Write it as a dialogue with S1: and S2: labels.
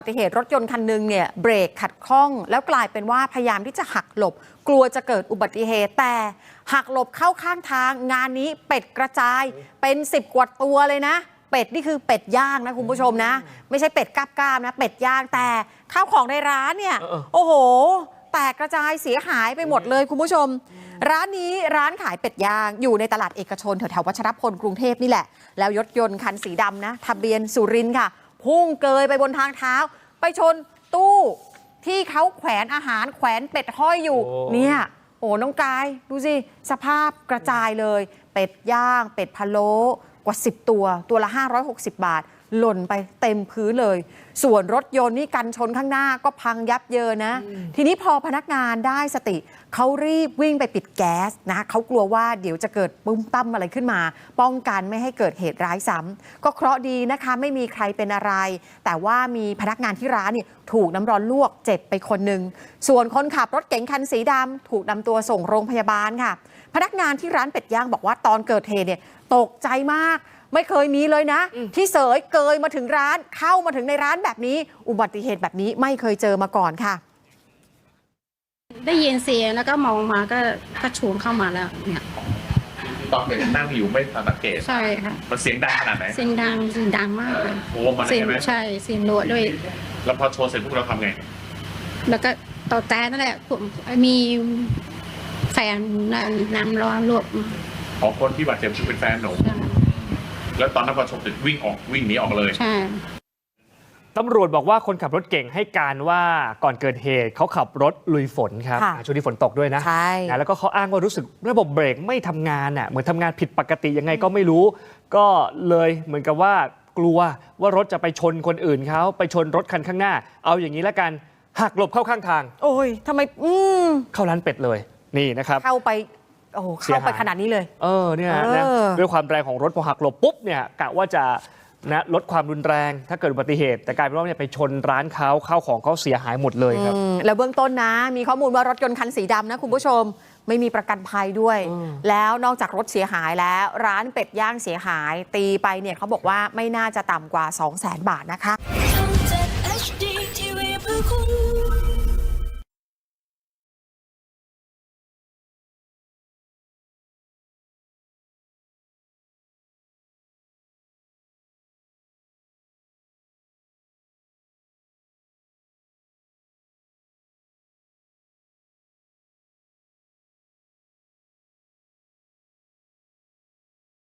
S1: อุบัติเหตุรถยนต์คันหนึ่งเนี่ยเบรกขัดข้องแล้วกลายเป็นว่าพยายามที่จะหักหลบกลัวจะเกิดอุบัติเหตุแต่หักหลบเข้าข้างทางงานนี้เป็ดกระจายเป็น10 กว่าตัวเลยนะเป็ดนี่คือเป็ดย่างนะคุณผู้ชมนะไม่ใช่เป็ดก้ามๆนะเป็ดย่างแต่ข้าวของในร้านเนี่ยโอ้โหแตกกระจายเสียหายไปหมดเลยคุณผู้ชมร้านนี้ร้านขายเป็ดย่างอยู่ในตลาดเอกชนแถวๆวัชรพลกรุงเทพนี่แหละแล้วรถยนต์คันสีดำนะทะเบียนสุรินทร์ค่ะพุ่งเกยไปบนทางเท้าไปชนตู้ที่เขาแขวนอาหารแขวนเป็ดห้อยอยู่เนี่ยโอ้น้องกายดูสิสภาพกระจายเลยเป็ดย่างเป็ดพะโล้กว่า10 ตัวละ560 บาทหล่นไปเต็มพื้นเลยส่วนรถยนต์นี่กันชนข้างหน้าก็พังยับเยินนะทีนี้พอพนักงานได้สติเขารีบวิ่งไปปิดแก๊สนะเขากลัวว่าเดี๋ยวจะเกิดปุ้มตั้มอะไรขึ้นมาป้องกันไม่ให้เกิดเหตุร้ายซ้ำก็เคราะห์ดีนะคะไม่มีใครเป็นอะไรแต่ว่ามีพนักงานที่ร้านนี่ถูกน้ำร้อนลวกเจ็บไปคนหนึ่งส่วนคนขับรถเก๋งคันสีดำถูกนำตัวส่งโรงพยาบาลค่ะพนักงานที่ร้านเป็ดย่างบอกว่าตอนเกิดเหตุเนี่ยตกใจมากไม่เคยมีเลยนะที่เสยเกยมาถึงร้านเข้ามาถึงในร้านแบบนี้อุบัติเหตุแบบนี้ไม่เคยเจอมาก่อนค่ะ
S2: ได้ยินเสียงแล้วก็มองมาก็ชูนเข้ามาแล้วเนี่ย
S3: ตอนเด็กนั่งอยู่ไม่สังเกต
S2: ใช่ค่ะ
S3: มันเสียงดังขนาดไหน
S2: เสียงดังมากเลย
S3: โอ้มันใช่ไหม
S2: ใช่เสียงรัวด้วย
S3: แล้วพอโชว์เสร็จพวกเราทำไง
S2: แล้วก็ต่อแต่นั่นแหละผมมีแฟนน้ำร้อนลวก
S3: ขอคนที่บาดเจ็บคือเป็นแฟนหนูแล้วตอนนั้นพอชมเสร็จวิ่งหนีออกเลย
S2: ใช่
S4: ตำรวจบอกว่าคนขับรถเก่งให้การว่าก่อนเกิดเหตุเขาขับรถลุยฝนครับช่วงที่ฝนตกด้วยนะแล้วก็เขาอ้างว่ารู้สึกระบบเบรกไม่ทำงานเหมือนทำงานผิดปกติยังไงก็ไม่รู้ก็เลยเหมือนกับว่ากลัวว่ารถจะไปชนคนอื่นเขาไปชนรถคันข้างหน้าเอาอย่างนี้แล้วกันหักหลบเข้าข้างทาง
S1: โอ้ยทำไม
S4: เข้าร้านเป็ดเลยนี่นะครับ
S1: เข้าไปโอ้เข้าไปขนาดนี้เลย
S4: เนี่ยนะด้วยความแรงของรถพอหักหลบปุ๊บเนี่ยกะว่าจะนะลดความรุนแรงถ้าเกิดอุบัติเหตุแต่กลายเป็นว่าเนี่ยไปชนร้านเขาข้าวของเขาเสียหายหมดเลยครับ
S1: แล้วเบื้องต้นนะมีข้อมูลว่ารถยนต์คันสีดำนะคุณผู้ชมไม่มีประกันภัยด้วยแล้วนอกจากรถเสียหายแล้วร้านเป็ดย่างเสียหายตีไปเนี่ยเขาบอกว่าไม่น่าจะต่ำกว่า 200,000 บาทนะคะ